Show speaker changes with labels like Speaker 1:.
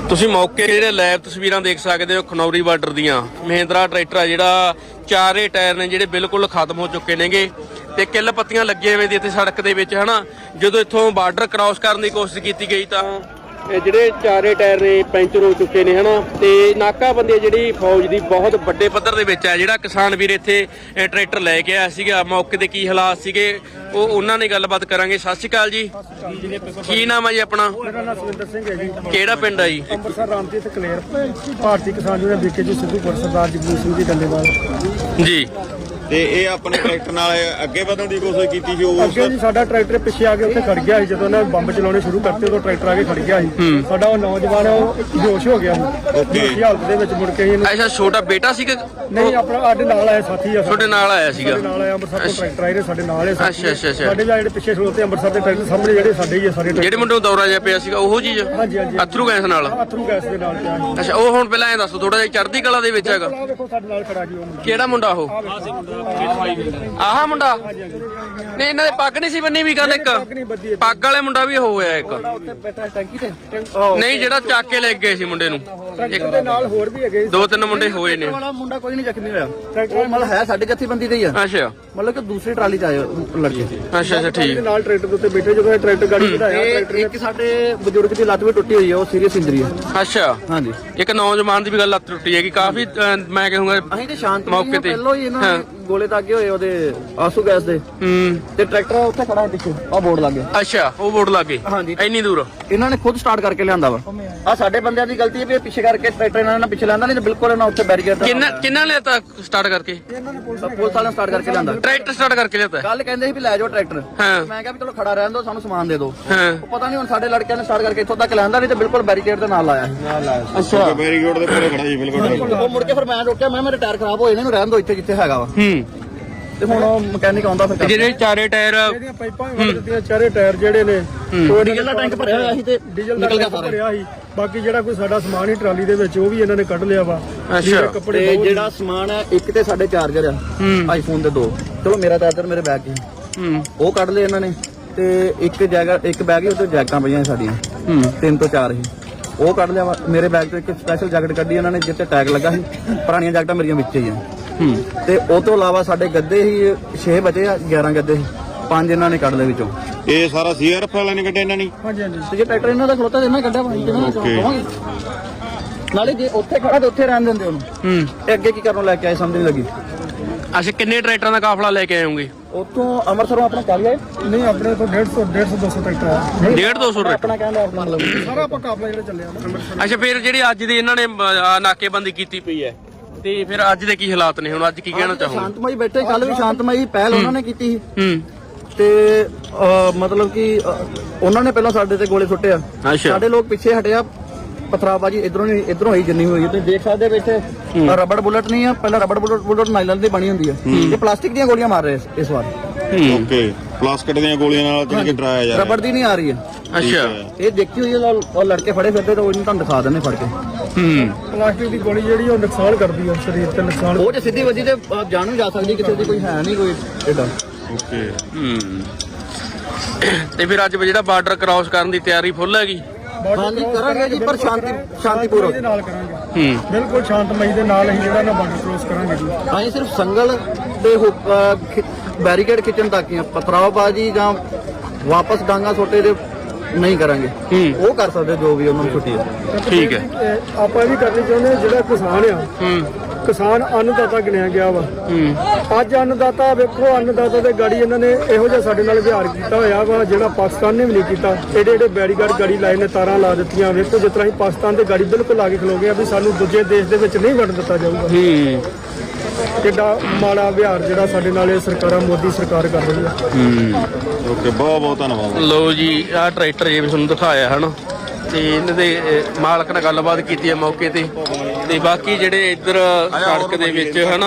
Speaker 1: ਤੁਸੀਂ ਮੌਕੇ ਜਿਹੜੇ ਲਾਈਵ ਤਸਵੀਰਾਂ ਦੇਖ ਸਕਦੇ ਹੋ ਖਨੌਰੀ ਬਾਰਡਰ ਦੀਆਂ। ਮਹਿੰਦਰਾ ਟਰੈਕਟਰ ਆ ਜਿਹੜਾ ਚਾਰੇ ਟਾਇਰ ਨੇ ਜਿਹੜੇ ਬਿਲਕੁਲ ਖਤਮ ਹੋ ਚੁੱਕੇ ਨੇਗੇ ਤੇ ਕਿੱਲ ਪੱਤੀਆਂ ਲੱਗੀਆਂ ਹੋਈਆਂ ਦੀ ਇੱਥੇ ਸੜਕ ਦੇ ਵਿੱਚ ਹਨਾ। ਜਦੋਂ ਇੱਥੋਂ ਬਾਰਡਰ ਕ੍ਰਾਸ ਕਰਨ ਦੀ ਕੋਸ਼ਿਸ਼ ਕੀਤੀ ਗਈ ਤਾਂ ਇਹ ਜਿਹੜੇ ਚਾਰੇ ਟਾਇਰ ਨੇ ਪੈਂਚਰ ਹੋ ਚੁੱਕੇ ਨੇ ਹਨਾ। ਤੇ ਨਾਕਾਬੰਦੀ ਜਿਹੜੀ ਫੌਜ ਦੀ ਬਹੁਤ ਵੱਡੇ ਪੱਧਰ ਦੇ ਵਿੱਚ ਹੈ। ਜਿਹੜਾ ਕਿਸਾਨ ਵੀਰ ਇੱਥੇ ਟਰੈਕਟਰ ਲੈ ਕੇ ਆਇਆ ਸੀਗਾ, ਮੌਕੇ ਤੇ ਕੀ ਹਾਲਾਤ ਸੀਗੇ ਉਹ ਉਹਨਾਂ ਨੇ ਗੱਲਬਾਤ ਕਰਾਂਗੇ। ਸਤਿ ਸ਼੍ਰੀ ਅਕਾਲ ਜੀ, ਕੀ ਨਾਮ ਹੈ ਜੀ ਆਪਣਾ?
Speaker 2: ਮੇਰਾ ਨਾਮ ਸੁਵਿੰਦਰ ਸਿੰਘ ਹੈ ਜੀ।
Speaker 1: ਕਿਹੜਾ ਪਿੰਡ ਹੈ ਜੀ?
Speaker 2: ਅੰਮ੍ਰਿਤਸਰ ਰਾਮਜੀਤ ਕਲੇਰ ਭਾਰਤੀ ਕਿਸਾਨ ਯੂਨੀਅਨ ਬੀਕੇ ਜੀ ਸਿੱਧੂਪੁਰ ਸਰਦਾਰ ਜਗਜੀਤ ਸਿੰਘ ਜੀ ਡੱਲੇਵਾਲ
Speaker 1: ਜੀ।
Speaker 3: ਤੇ ਇਹ ਆਪਣੇ ਟਰੈਕਟਰ ਨਾਲ ਅੱਗੇ ਵਧਣ ਦੀ ਕੋਸ਼ਿਸ਼ ਕੀਤੀ ਸੀ ਉਸ
Speaker 2: ਅੱਗੇ ਜੀ ਸਾਡਾ ਟਰੈਕਟਰ ਪਿੱਛੇ ਆ ਕੇ ਉੱਥੇ ਖੜ ਗਿਆ ਸੀ। ਜਦੋਂ ਉਹਨਾਂ ਬੰਬ ਚਲਾਉਣੇ ਸ਼ੁਰੂ ਕਰਤੇ ਉਦੋਂ ਟਰੈਕਟਰ ਆ ਕੇ ਖੜ ਗਿਆ ਸੀ। ਸਾਡਾ ਉਹ ਨੌਜਵਾਨ ਉਹ ਬੇਹੋਸ਼ ਹੋ ਗਿਆ ਸੀ ਇਸ ਹਾਲਤ ਦੇ ਵਿੱਚ। ਮੁੜ ਕੇ ਇਹਨੂੰ
Speaker 1: ਅੱਛਾ, ਛੋਟਾ ਬੇਟਾ ਸੀਗਾ?
Speaker 2: ਨਹੀਂ, ਆਪਣਾ ਸਾਡੇ ਨਾਲ ਆਇਆ ਸਾਥੀ ਆ,
Speaker 1: ਤੁਹਾਡੇ ਨਾਲ ਆਇਆ ਸੀਗਾ?
Speaker 2: ਸਾਡੇ ਨਾਲ ਆਇਆ ਅੰਮ੍ਰਿਤਸਰ ਤੋਂ ਟਰੈਕਟਰ ਆਏ ਨੇ ਸਾਡੇ ਨਾਲ ਇਹ ਸਾਥੀ।
Speaker 1: ਅੱਛਾ।
Speaker 2: ਸਾਡੇ ਜਿਹੜੇ ਪਿੱਛੇ ਖਲੋਤੇ ਅੰਮ੍ਰਿਤਸਰ ਦੇ ਟਰੈਕਟਰ ਸਾਹਮਣੇ ਜਿਹੜੇ ਸਾਡੇ ਹੀ ਆ ਸਾਰੇ
Speaker 1: ਜਿਹੜੇ ਮੁੰਡੇ ਨੂੰ ਦੌਰਾ ਜਿਹਾ ਪਿਆ ਸੀਗਾ ਉਹੋ ਚੀਜ਼?
Speaker 2: ਹਾਂਜੀ ਹਾਂਜੀ,
Speaker 1: ਅਥਰੂ ਗੈਸ ਨਾਲ?
Speaker 2: ਅਥਰੂ ਗੈਸ ਦੇ ਨਾਲ ਪਿਆ ਸੀ।
Speaker 1: ਅੱਛਾ, ਉਹ ਹੁਣ ਪਹਿਲਾਂ ਐਂ ਦੱਸੋ ਥੋੜਾ ਜਿਹਾ ਚੜ੍ਹਦੀ ਕਲਾ ਦੇ ਵਿੱਚ ਹੈਗਾ?
Speaker 2: ਆਹ ਵੇਖੋ ਸਾਡੇ ਨਾਲ ਖੜਾ ਜੀ ਉਹ ਮੁੰਡਾ।
Speaker 1: ਕਿਹੜਾ ਮੁੰਡਾ ਉਹ? ਆਹ ਮੁੰਡਾ? ਨਹੀਂ, ਇਹਨਾਂ ਦੇ ਪੱਗ ਨਹੀਂ ਸੀ ਬੰਨੀ ਵੀ ਗੱਲ? ਇੱਕ ਪੱਗ ਵਾਲੇ ਮੁੰਡਾ ਵੀ ਹੋਇਆ ਇੱਕ।
Speaker 2: ਉੱਥੇ ਬੈਠਾ ਟੈਂਕੀ ਤੇ
Speaker 1: ਨਹੀਂ, ਜਿਹੜਾ ਚੱਕ ਕੇ ਲੈ ਗਏ ਸੀ ਮੁੰਡੇ ਨੂੰ।
Speaker 2: ਟਰੈਕਟਰ ਦੇ ਨਾਲ ਹੋਰ ਵੀ ਹੈਗੇ।
Speaker 1: ਦੋ ਤਿੰਨ ਮੁੰਡੇ ਹੋਏ ਨੇ।
Speaker 4: ਵਾਲਾ ਮੁੰਡਾ ਕੋਈ ਨਹੀਂ ਜ਼ਖਮੀ ਹੋਇਆ। ਉਹ ਮਤਲਬ ਹੈ ਸਾਡੇ ਜੱਥੇਬੰਦੀ ਦੇ ਹੀ ਆ,
Speaker 1: ਅੱਛਾ
Speaker 4: ਮਤਲਬ ਕਿ ਦੂਸਰੀ ਟਰਾਲੀ ਚ ਆਏ ਲੜਕੇ।
Speaker 1: ਅੱਛਾ ਠੀਕ।
Speaker 2: ਨਾਲ ਟਰੈਕਟਰ ਦੇ ਉੱਤੇ ਬੈਠੇ ਜਦੋਂ ਇਹ ਟਰੈਕਟਰ ਗਾੜੀ ਵਧਾਇਆ ਟਰੈਕਟਰ
Speaker 4: ਇੱਕ ਸਾਡੇ ਬਜ਼ੁਰਗ ਦੀ ਲੱਤ ਵੀ ਟੁੱਟੀ ਹੋਈ ਹੈ, ਉਹ ਸੀਰੀਅਸ ਇੰਜਰੀ ਹੈ।
Speaker 1: ਅੱਛਾ,
Speaker 4: ਹਾਂਜੀ।
Speaker 1: ਇੱਕ ਨੌਜਵਾਨ ਦੀ ਵੀ ਗੱਲ ਲੱਤ ਟੁੱਟੀ ਹੈਗੀ ਕਾਫੀ। ਮੈਂ ਕਹੂੰਗਾ
Speaker 4: ਅਸੀਂ ਤੇ ਸ਼ਾਂਤ
Speaker 1: ਮੌਕੇ ਤੇ
Speaker 4: ਪਹਿਲਾਂ ਹੀ ਇਹਨਾਂ ਨੇ ਗੋਲੇ ਦਾਗੇ ਹੋਏ ਉਹਦੇ ਆਸੂ ਗੈਸ ਦੇ। ਤੇ ਟਰੈਕਟਰ ਉੱਥੇ ਖੜਾ ਹੈ ਪਿੱਛੇ, ਆਹ ਬੋਰਡ ਲੱਗ ਗਿਆ।
Speaker 1: ਅੱਛਾ, ਉਹ ਬੋਰਡ ਲੱਗੇ
Speaker 4: ਹਾਂਜੀ।
Speaker 1: ਇੰਨੀ ਦੂਰ?
Speaker 4: ਇਹਨਾਂ ਨੇ ਖੁਦ ਸਟਾਰਟ ਕਰਕੇ ਲਿਆਂਦਾ ਵਾ। ਆ ਸਾਡੇ ਬੰਦਿਆਂ ਦੀ ਗਲਤੀ ਹੈ ਵੀ ਇਹ ਪਿੱਛੇ ਕਰਕੇ ਟਰੈਕਟਰ ਇਹਨਾਂ ਨੇ ਪਿੱਛੇ ਲਿਆਂਦਾ, ਨਹੀਂ ਤਾਂ ਬਿਲਕੁਲ ਇਹਨਾਂ ਉੱਥੇ ਬੈਰੀਅਰ
Speaker 1: ਕਿੰਨਾ ਲਿਆਤਾ ਸਟਾਰਟ ਕਰਕੇ?
Speaker 4: ਪੁਲਿਸ ਵਾਲਿਆਂ ਨੇ ਸਟਾਰਟ ਕਰਕੇ ਲਿਆਂਦਾ।
Speaker 1: ਟਰੈਕਟਰ ਸਟਾਰਟ ਕਰਕੇ ਲਿਆਤਾ?
Speaker 4: ਕੱਲ ਕਹਿੰਦੇ ਸੀ ਵੀ ਲੈ ਜਾਓ ਟਰੈਕਟਰ।
Speaker 1: ਹਾਂ।
Speaker 4: ਮੈਂ ਕਿਹਾ ਵੀ ਚਲੋ ਖੜਾ ਰਹਿਣ ਦਿਓ, ਸਾਨੂੰ ਸਮਾਨ ਦੇ ਦਿਓ।
Speaker 1: ਹਾਂ।
Speaker 4: ਉਹ ਪਤਾ ਨਹੀਂ ਹੁਣ ਸਾਡੇ ਲੜਕਿਆਂ ਨੇ ਸਟਾਰਟ ਕਰਕੇ ਇੱਥੋਂ ਤੱਕ ਲਿਆਂਦਾ, ਨਹੀਂ ਤੇ ਬਿਲਕੁਲ ਬੈਰੀਕੇਡ ਦੇ ਨਾਲ ਲਾਇਆ ਸੀ।
Speaker 1: ਅੱਛਾ।
Speaker 3: ਬੈਰੀਕੇਡ ਦੇ ਕੋਲੇ ਖੜਾ ਜੀ ਬਿਲਕੁਲ।
Speaker 4: ਉਹ ਮੁੜ ਕੇ ਫਿਰ ਮੈਂ ਰੋਕਿਆ, ਮੈਂ ਮੇਰੇ ਟਾਇਰ ਖਰਾਬ ਹੋਏ ਨੇ, ਇਹਨੂੰ ਰਹਿਣ ਦਿਓ ਇੱਥੇ ਜਿੱਥੇ ਹੈਗਾ ਵਾ। ਤੇ ਹੁਣ ਉਹ ਮਕੈਨਿਕ ਆਉਂਦਾ ਫਿਰ
Speaker 1: ਜਿਹੜੇ ਚਾਰੇ ਟਾਇਰ
Speaker 2: ਇਹਦੀਆਂ ਪਾਈਪਾਂ ਵੀ ਵੱਢ ਦਿੱਤੀਆਂ। ਚਾਰੇ ਟਾਇਰ ਜਿਹੜੇ ਨੇ
Speaker 4: ਉਹ ਡੀਜ਼ਲ ਦਾ ਟੈਂਕ ਭਰਿਆ ਹੋਇਆ ਸੀ ਤੇ
Speaker 2: ਡੀਜ਼ਲ ਦਾ ਟੈਂਕ ਭਰਿਆ ਸੀ। ਬਾਕੀ ਜਿਹੜਾ ਕੋਈ ਸਾਡਾ ਸਮਾਨ ਹੀ ਟਰਾਲੀ ਦੇ ਵਿੱਚ ਉਹ ਵੀ ਇਹਨਾਂ ਨੇ ਕੱਢ ਲਿਆ ਵਾ।
Speaker 1: ਅੱਛਾ।
Speaker 2: ਕੱਪੜੇ
Speaker 4: ਤੇ ਜਿਹੜਾ ਸਮਾਨ ਹੈ ਇੱਕ ਤੇ ਸਾਡੇ ਚਾਰਜਰ ਆ ਆਈਫੋਨ ਦੇ 2, ਚਲੋ ਮੇਰਾ ਚਾਰਜਰ ਮੇਰੇ ਬੈਗ 'ਚ ਉਹ ਕੱਢ ਲਏ ਇਹਨਾਂ ਨੇ। ਤੇ ਇੱਕ ਬੈਗ ਹੀ ਉਹਦੇ ਜੈਕਟਾਂ ਪਈਆਂ ਸਾਡੀਆਂ 3 ਤੋਂ 4 ਹੀ, ਉਹ ਕੱਢ ਲਿਆ ਵਾ। ਮੇਰੇ ਬੈਗ ਤੋਂ ਇੱਕ ਸਪੈਸ਼ਲ ਜੈਕਟ ਕੱਢੀ ਇਹਨਾਂ ਨੇ ਜਿੱਤੇ ਟੈਗ ਲੱਗਾ ਸੀ। ਪੁਰਾਣੀਆਂ ਜੈਕਟਾਂ ਮੇਰੀਆਂ ਵਿੱਚ ਹੀ ਆ। ਤੇ ਉਹ ਤੋਂ ਇਲਾਵਾ ਸਾਡੇ ਗੱਦੇ ਹੀ 6 ਬਚੇ ਆ, 11 ਗੱਦੇ 5 ਇਹਨਾਂ ਨੇ ਕੱਢ ਲਏ ਵਿੱਚੋਂ।
Speaker 3: ਇਹ ਸਾਰਾ ਸੀਆਰਐਫ ਵਾਲਿਆਂ ਨੇ ਕੱਢਿਆ ਇਹਨਾਂ ਨੇ?
Speaker 2: ਹਾਂਜੀ ਹਾਂਜੀ।
Speaker 4: ਤੇ ਜੇ ਟਰੈਕਟਰ ਇਹਨਾਂ ਦਾ ਖਲੋਤਾ ਤੇ ਇਹਨਾਂ ਕੱਢਿਆ ਭਾਈ ਨਾਲੇ ਜੇ ਉੱਥੇ ਖੜਾ ਤੇ ਉੱਥੇ ਰਹਿਣ ਦਿੰਦੇ ਉਹਨੂੰ। ਤੇ ਅੱਗੇ ਕੀ ਕਰਨ ਲੈ ਕੇ ਆਏ ਸਮਝ ਨਹੀਂ ਲੱਗੀ।
Speaker 1: ਅੱਛਾ, ਕਿੰਨੇ ਟਰੈਕਟਰਾਂ ਦਾ ਕਾਫਲਾ ਲੈ ਕੇ ਆਉਂਗੇ?
Speaker 4: ਉੱਥੋਂ ਅੰਮ੍ਰਿਤਸਰੋਂ ਆਪਣਾ ਚੱਲ ਗਏ।
Speaker 2: ਨਹੀਂ, ਆਪਣੇ ਤੋਂ 150 200 ਟਰੈਕਟਰ ਆ।
Speaker 1: 150 ਟਰੈਕਟਰ?
Speaker 4: ਆਪਣਾ ਕਹਿੰਦਾ ਆਪਣਾ ਲਓ
Speaker 2: ਸਾਰਾ ਆਪਾਂ ਕਾਫਲਾ ਜਿਹੜਾ ਚੱਲਿਆ ਨਾ।
Speaker 1: ਅੱਛਾ, ਫਿਰ ਜਿਹੜੀ ਅੱਜ ਦੀ ਇਹਨਾਂ ਨੇ ਨਾਕੇਬੰਦੀ ਕੀਤੀ ਪਈ ਹੈ ਤੇ ਫਿਰ ਅੱਜ ਦੇ ਕੀ ਹਾਲਾਤ ਨੇ? ਹੁਣ ਅੱਜ ਕੀ ਕਹਿਣਾ ਚਾਹੋਗੇ?
Speaker 4: ਸ਼ਾਂਤਮਈ ਬੈਠੇ, ਕੱਲ ਵੀ ਸ਼ਾਂਤਮਈ ਪਹਿਲ ਉਹਨਾਂ ਨੇ ਕੀਤੀ ਸੀ। ਤੇ ਮਤਲਬ ਕਿ ਉਹਨਾਂ ਨੇ ਪਹਿਲਾਂ ਸਾਡੇ ਤੇ ਗੋਲੇ ਸੁੱਟੇ ਆ। ਸਾਡੇ ਲੋਕ ਪਿੱਛੇ ਹਟਿਆ, ਪਥਰਾਬਾਜੀ ਇਧਰੋਂ ਹੀ ਜਿੰਨੀ ਹੋਈ। ਤੁਸੀਂ ਦੇਖ ਸਕਦੇ ਬੈਠੇ ਰਬੜ ਬੁਲਟ ਨਹੀਂ ਆ, ਪਹਿਲਾਂ ਰਬੜ ਬੁਲਟ ਨਾਈਲਨ ਦੀ ਬਣੀ ਹੁੰਦੀ ਆ, ਇਹ ਪਲਾਸਟਿਕ ਦੀਆਂ ਗੋਲੀਆਂ ਮਾਰ ਰਹੇ ਇਸ ਵਾਰ।
Speaker 3: ਓਕੇ, ਪਲਾਸਟਿਕ ਦੀਆਂ ਗੋਲੀਆਂ ਨਾਲ ਜਿਹੜਾ ਕਿ ਡਰਾਇਆ ਜਾ ਰਿਹਾ।
Speaker 4: ਰਬੜ ਦੀ ਨਹੀਂ ਆ ਰਹੀ ਹੈ।
Speaker 1: ਅੱਛਾ,
Speaker 4: ਇਹ ਦੇਖੀ ਹੋਈ ਹੈ, ਉਹ ਲੜਕੇ ਫੜੇ ਫਿਰਦੇ ਤਾਂ ਉਹਨੂੰ ਤੁਹਾਨੂੰ ਦਿਖਾ ਦਿੰਦੇ ਫੜ ਕੇ।
Speaker 2: ਪਲਾਸਟਿਕ ਦੀ ਗੋਲੀ ਜਿਹੜੀ ਉਹ ਨੁਕਸਾਨ ਕਰਦੀ ਆ ਸਰੀਰ ਤੇ, ਨੁਕਸਾਨ।
Speaker 4: ਉਹ ਜੇ ਸਿੱਧੀ ਵੱਜੀ ਤੇ ਜਾਨ ਵੀ ਜਾ ਸਕਦੀ, ਕਿਸੇ ਦੀ ਕੋਈ ਹੈ ਨਹੀਂ ਕੋਈ ਏਡਾ।
Speaker 3: ਓਕੇ।
Speaker 1: ਤੇ ਫਿਰ ਅੱਜ ਜਿਹੜਾ ਬਾਰਡਰ ਕ੍ਰਾਸ ਕਰਨ ਦੀ ਤਿਆਰੀ ਫੁੱਲ ਹੈਗੀ?
Speaker 4: ਹਾਂਜੀ ਕਰਾਂਗੇ ਜੀ, ਪਰ ਸ਼ਾਂਤੀਪੂਰਵਕ
Speaker 2: ਦੇ ਨਾਲ ਕਰਾਂਗੇ। ਬਿਲਕੁਲ ਸ਼ਾਂਤਮਈ ਦੇ ਨਾਲ ਅਸੀਂ ਜਿਹੜਾ ਨਾ ਬਾਰਡਰ ਕ੍ਰੋਸ ਕਰਾਂਗੇ ਜੀ।
Speaker 4: ਅਸੀਂ ਸਿਰਫ ਸੰਗਲ ਤੇ ਬੈਰੀਕੇਡ ਖਿੱਚਣ ਤੱਕ ਹੀ ਆ, ਪਤਰਾਵਬਾਜੀ ਜਾਂ ਵਾਪਸ ਡਾਂਗਾ ਛੋਟੇ ਦੇ ਨਹੀਂ ਕਰਾਂਗੇ। ਉਹ ਕਰ ਸਕਦੇ ਜੋ ਵੀ ਉਹਨਾਂ ਨੂੰ ਛੁੱਟੀ ਹੈ।
Speaker 1: ਠੀਕ ਹੈ।
Speaker 2: ਆਪਾਂ ਇਹ ਵੀ ਕਰਨੀ ਚਾਹੁੰਦੇ ਹਾਂ, ਜਿਹੜਾ ਕਿਸਾਨ ਆ, ਕਿਸਾਨ ਅੰਨਦਾਤਾ ਗਿਣਿਆ ਗਿਆ ਵਾ। ਅੱਜ ਅੰਨਦਾਤਾ ਵੇਖੋ, ਅੰਨਦਾਤਾ ਦੇ ਗਾੜੀ ਇਹਨਾਂ ਨੇ ਇਹੋ ਜਿਹਾ ਸਾਡੇ ਨਾਲ ਵਿਹਾਰ ਕੀਤਾ ਹੋਇਆ ਵਾ ਜਿਹੜਾ ਪਾਕਿਸਤਾਨ ਨੇ ਵੀ ਨਹੀਂ ਕੀਤਾ। ਏਡੇ ਬੈਰੀਗਾਰਡ ਗਾੜੀ ਲਾਏ ਨੇ, ਤਾਰਾਂ ਲਾ ਦਿੱਤੀਆਂ। ਵੇਖੋ ਜਿਸ ਤਰ੍ਹਾਂ ਅਸੀਂ ਪਾਕਿਸਤਾਨ ਦੇ ਗਾੜੀ ਬਿਲਕੁਲ ਲਾ ਕੇ ਖਲੋ ਗਏ ਆ ਵੀ ਸਾਨੂੰ ਦੂਜੇ ਦੇਸ਼ ਦੇ ਵਿੱਚ ਨਹੀਂ ਵੜਨ ਦਿੱਤਾ ਜਾਊਗਾ। ਕਿੱਡਾ ਮਾੜਾ ਵਿਹਾਰ ਜਿਹੜਾ ਸਾਡੇ ਨਾਲ ਇਹ ਸਰਕਾਰਾਂ, ਮੋਦੀ ਸਰਕਾਰ ਕਰ ਰਹੀ ਹੈ।
Speaker 3: ਓਕੇ, ਬਹੁਤ ਬਹੁਤ ਧੰਨਵਾਦ।
Speaker 1: ਲੋ ਜੀ, ਆਹ ਟਰੈਕਟਰ ਜੇ ਤੁਹਾਨੂੰ ਦਿਖਾਇਆ ਹਨ ਤੇ ਇਹਨਾਂ ਦੇ ਮਾਲਕ ਨਾਲ ਗੱਲਬਾਤ ਕੀਤੀ ਹੈ ਮੌਕੇ ਤੇ। ਬਾਕੀ ਜਿਹੜੇ ਇੱਧਰ ਸੜਕ ਦੇ ਵਿੱਚ ਹਨਾ